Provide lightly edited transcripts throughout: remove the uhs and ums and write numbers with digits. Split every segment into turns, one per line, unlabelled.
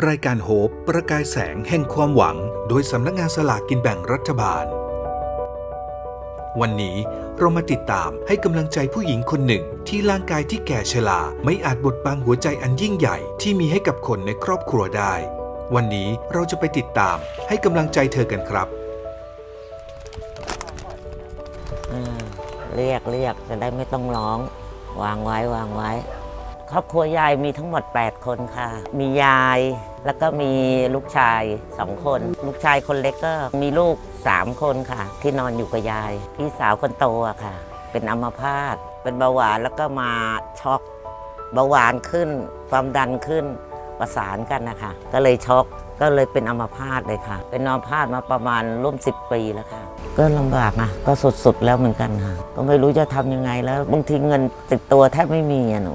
รายการโฮปประกายแสงแห่งความหวังโดยสำนักงานสลากกินแบ่งรัฐบาลวันนี้เรามาติดตามให้กำลังใจผู้หญิงคนหนึ่งที่ร่างกายที่แก่ชราไม่อาจบดบังหัวใจอันยิ่งใหญ่ที่มีให้กับคนในครอบครัวได้วันนี้เราจะไปติดตามให้กำลังใจเธอกันครับ
เรียกจะได้ไม่ต้องร้องวางไว้ครอบครัวยายมีทั้งหมด8คนค่ะมียายแล้วก็มีลูกชาย2คนลูกชายคนเล็กก็มีลูก3คนค่ะที่นอนอยู่กับยายพี่สาวคนโตอะค่ะเป็นอัมพาตเป็นเบาหวานแล้วก็มาช็อกเบาหวานขึ้นความดันขึ้นประสานกันนะคะก็เลยช็อกก็เลยเป็นอัมพาตเลยค่ะเป็นอัมพาตมาประมาณร่วม10 ปีแล้วค่ะก็ลำบากนะก็สุดๆแล้วเหมือนกันค่ะก็ไม่รู้จะทำยังไงแล้วบางทีเงินติดตัวแทบไม่มีอะหนู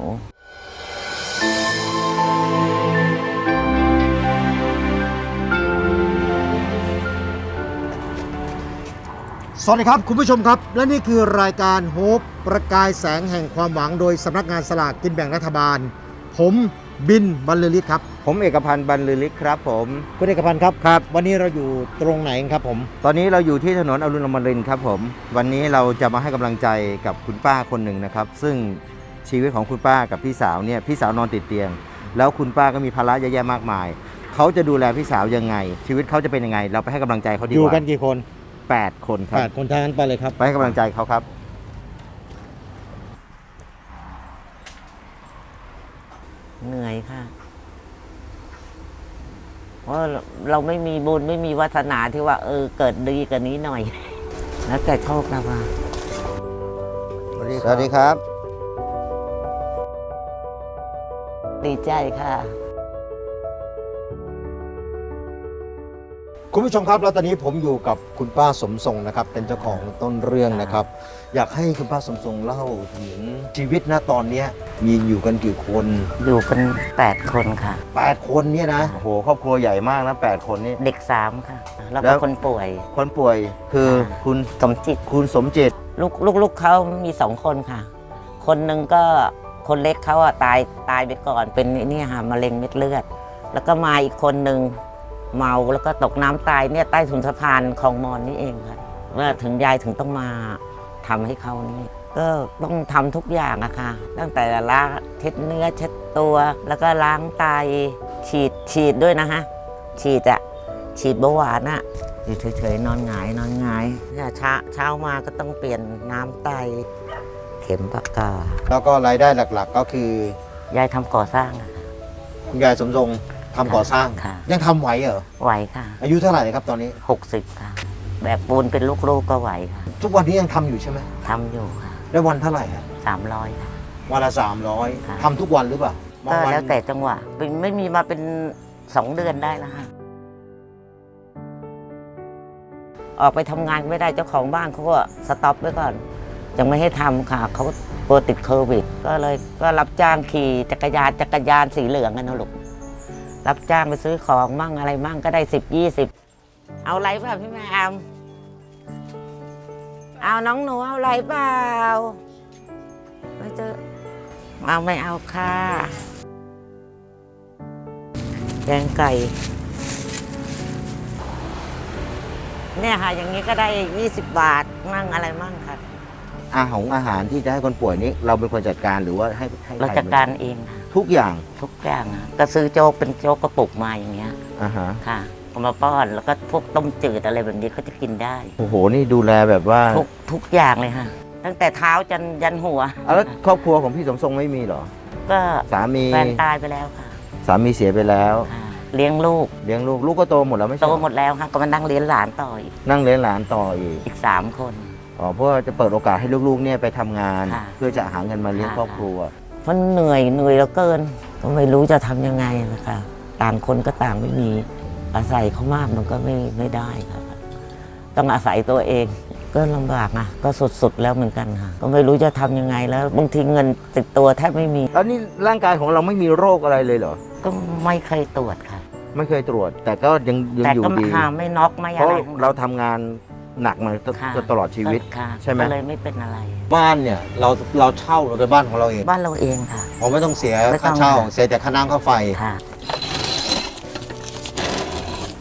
สวัสดีครับคุณผู้ชมครับและนี่คือรายการโฮปประกายแสงแห่งความหวังโดยสำนักงานสลากกินแบ่งรัฐบาลผมบินบรรลือฤทธิ์ครับ
ผมเอกพันธ์บรรลือฤทธิ์ครับผม
คุณเอกพันธ์ครับครับวันนี้เราอยู่ตรงไหนครับผม
ตอนนี้เราอยู่ที่ถนนอรุณอมรินทร์ครับผมวันนี้เราจะมาให้กำลังใจกับคุณป้าคนหนึ่งนะครับซึ่งชีวิตของคุณป้ากับพี่สาวเนี่ยพี่สาวนอนติดเตียงแล้วคุณป้าก็มีภาระเยอะแยะมากมายเขาจะดูแลพี่สาวยังไงชีวิตเขาจะเป็นยังไงเราไปให้กำลังใจเขาดีกว่า
อยู่กันกี่คน
8 คนครับ
8 คนทางนั้นไปเลยครับ
ไปให้กำลังใจเขาครับ
เหนื่อยค่ะเพราะเราไม่มีบุญไม่มีวาสนาที่ว่าเกิดดีกว่านี้หน่อยแล้วแต่โชคนะว่า
สวัสดีครับ
ดีใจค่ะ
คุณผู้ชมครับแล้วตอนนี้ผมอยู่กับคุณป้าสมทรงนะครับเป็นเจ้าของต้นเรื่องนะครับอยากให้คุณป้าสมทรงเล่าถึงชีวิตณตอนนี้มีอยู่กันกี่คน
อยู่กัน8 คนค่ะ
8 คนเนี่ยนะ
โอ้โหครอบครัวใหญ่มากนะ8 คนนี่
เด็ก3ค่ะแล้วก็คนป่วย
คือคุณ
สมจิตลูกเขามี2 คนค่ะคนหนึ่งก็คนเล็กเขาอะตายไปก่อนเป็นนี่ค่ะมะเร็งเม็ดเลือดแล้วก็มาอีกคนหนึ่งเมาแล้วก็ตกน้ำตายเนี่ยใต้ถุนสะพานคลองมอนนี่เองค่ะว่าถึงยายถึงต้องมาทำให้เขานี่ก็ต้องทำทุกอย่างอะค่ะตั้งแต่ล้างเช็ดเนื้อเช็ดตัวแล้วก็ล้างไตฉีดด้วยนะฮะฉีดเบาหวานอะอยู่เฉยๆนอนหงายเนี่ยเช้ามาก็ต้องเปลี่ยนน้ำไตเข็มปากกา
แล้วก็รายได้หลักๆก็คือย
ายทำก่อสร้าง
คุณยายสมทรงทำก่อสร้างยังทำไหวเหรอ
ไหวค่ะ
อายุเท่าไหร่ครับตอนนี้
60ค่ะแบบปูนเป็นลูกๆก็ไหวค่ะ
ทุกวันนี้ยังทำอยู่ใช่ไหม
ทำอยู่ค่ะ
ได้วันเท่าไหร่ครับ
300ค่ะ
วันละ300ทำทุกวันหรือเปล่า
ก็แล้วแต่จังหวะไม่มีมาเป็น2 เดือนได้แล้วค่ะออกไปทำงานไม่ได้เจ้าของบ้านเขาก็สต็อปไว้ก่อนยังไม่ให้ทำค่ะเขากลัวติดโควิดก็รับจ้างขี่จักรยานสีเหลืองกันนะลูกรับจ้างไปซื้อของมั่งอะไรมั่งก็ได้10-20เอาอะไรเปล่าพี่แม่เอาน้องหนูเอาอะไรเปล่าไม่เอาค่ะแกงไก่เนี่ยค่ะอย่างนี้ก็ได้20 บาทมั่งอะไรมั่งค่ะ
อาหารที่จะให้คนป่วยนี้เราเป็นคนจัดการหรือว่าให้
เราจัดการเองค่ะ
ทุกอย่าง
ก็ซื้อโจ๊กเป็นโจ๊กกระปุกมาอย่างเงี้ยค่ะเอามาป้อนแล้วก็พวกต้มจืดอะไรแบบนี้เขาจะกินได้
โอ้โหนี่ดูแลแบบว่า
ทุกอย่างเลยค่ะตั้งแต่เท้ายันหัว
แล้วครอบครัวของพี่สมทรงไม่มีหรอ
ก็
สามี
แฟนตายไปแล้วค่ะ
สามีเสียไปแล้ว
เลี้ยงลูก
ก็โตหมดแล้วไม่ใช่
โตหมดแล้วค่ะก็มานั่งเลี้ยงหลานต่ออีก3 คน
เพื่อจะเปิดโอกาสให้ลูกๆเนี่ยไปทำงานเพื่อจะหาเงินมาเลี้ยงครอบครัว
เพราะเหนื่อยแล้วเกินก็ไม่รู้จะทำยังไงนะคะต่างคนก็ต่างไม่มีอาศัยเขามากมันก็ไม่ได้ค่ะต้องอาศัยตัวเองก็ลำบากนะก็สุดๆแล้วเหมือนกันค่ะก็ไม่รู้จะทำยังไงแล้วบางทีเงินติดตัวแทบไม่มี
แล้วนี่ร่างกายของเราไม่มีโรคอะไรเลยเหรอ
ก็ไม่เคยตรวจค่ะ
ไม่เคยตรวจแต่ก็ยังอยู่ดี
แต่ก็ไม่น็อกไม่อะไรเพราะ
เราทำงานหนักมาตลอดชีวิตใช่ไหม
ก็เลยไม่เป็นอะไร
บ้านเนี่ยเราเช่าเราเป็นบ้านของเราเอง
บ้านเราเองค่ะ
ไม่ต้องเสียค่าเช่าเสียแต่ค่าน้ำค่าไฟ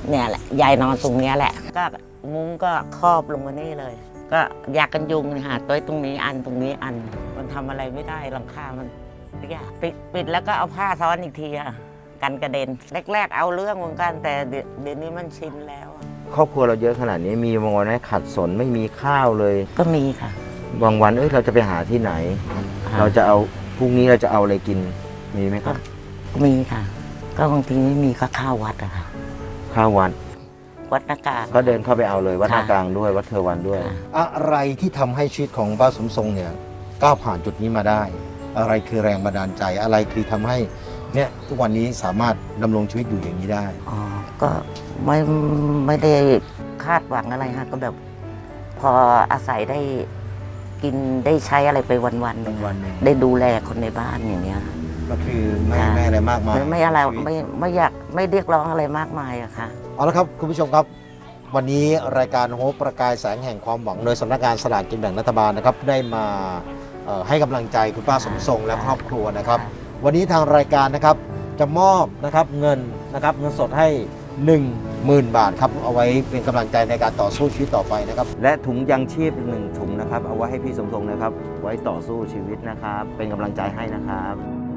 เนี่ยแหละยายนอนตรงเนี้ยแหละ ก็มุ้งก็ครอบลงมานี่เลย ก็ยากันยุงเนี่ยค่ะตัวตรงนี้อันตรงนี้อันมันทำอะไรไม่ได้หลังคามันยากปิดแล้วก็เอาผ้าซ้อนอีกทีค่ะกันกระเด็นแรกๆเอาเรื่องเหมือนกันแต่เดี๋ยวนี้มันชินแล้ว
ครอบครัวเราเยอะขนาดนี้มีบางวันให้ขัดสนไม่มีข้าวเลย
ก็มีค่ะ
บางวันเราจะไปหาที่ไหน
ค่ะ
เราจะเอาพรุ่งนี้เราจะเอาอะไรกินมีไหมครับ
มีค่ะ ก็บางทีไม่มีก็ข้าววัดอะค่ะ
ข้าววัด
วัดนากลาง
ก็เดินเข้าไปเอาเลยวัด
ค่ะ
นากลางด้วยวัดเทวันด้วย
ค่ะ
อะไรที่ทำให้ชีวิตของป้าสมทรงเนี่ยก้าวผ่านจุดนี้มาได้ อะไรคือแรงบันดาลใจอะไรคือทำให้เนี่ยทุกวันนี้สามารถดำรงชีวิตอยู่อย่างนี้ได้
อ๋อก็ไม่ได้คาดหวังอะไรค่ะก็แบบ พออาศัยได้กินได้ใช้อะไรไปวันๆหนึ่ง
วันๆหนึ่ง
ได้ดูแลคนในบ้านอย่างเนี้ย
ก็คือไม่
ค่ะ
ไม่อะไรมากมาย
ไม่อะไร
ชีวิต
ไม่อยากไม่เรียกร้องอะไรมากมายอะค่ะ
เอาละครับคุณผู้ชมครับ วันนี้รายการโฮปประกายแสงแห่งความหวังโดยสำนักงานสลากกินแบ่งรัฐบาลนะครับได้มาให้กำลังใจคุณป้าสมทรงและครอบครัวนะครับ วันนี้ทางรายการนะครับจะมอบนะครับเงินสดให้ 10,000 บาทครับเอาไว้เป็นกำลังใจในการต่อสู้ชีวิตต่อไปนะครับ
และถุงยังชีพ1ถุงนะครับเอาไว้ให้พี่สมทรงนะครับ ไว้ต่อสู้ชีวิตนะครับ เป็นกำลังใจให้นะครับ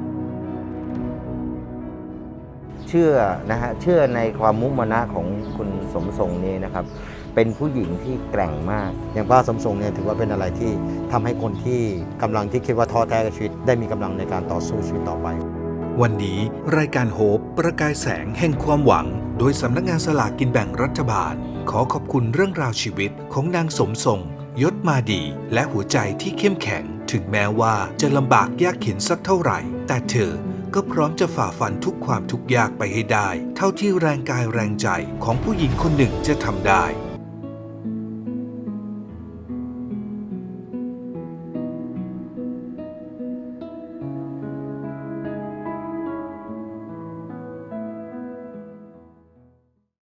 เชื่อนะฮะเชื่อในความมุมานะของคุณสมทรงนี้นะครับ เป็นผู้หญิงที่แกร่งมาก
อย่างป้าสมทรงเนี่ยถือว่าเป็นอะไรที่ทำให้คนที่กำลังที่คิดว่าท้อแท้กับชีวิต ได้มีกำลังในการต่อสู้ชีวิตต่อไป
วันนี้รายการโฮปประกายแสงแห่งความหวัง โดยสำนักงานสลากกินแบ่งรัฐบาล ขอขอบคุณเรื่องราวชีวิตของนางสมทรงยศมาดี และหัวใจที่เข้มแข็ง ถึงแม้ว่าจะลำบากยากเข็นสักเท่าไหร่ แต่เธอก็พร้อมจะฝ่าฟันทุกความทุกข์ยากไปให้ได้ เท่าที่แรงกายแรงใจของผู้หญิงคนหนึ่งจะทำได้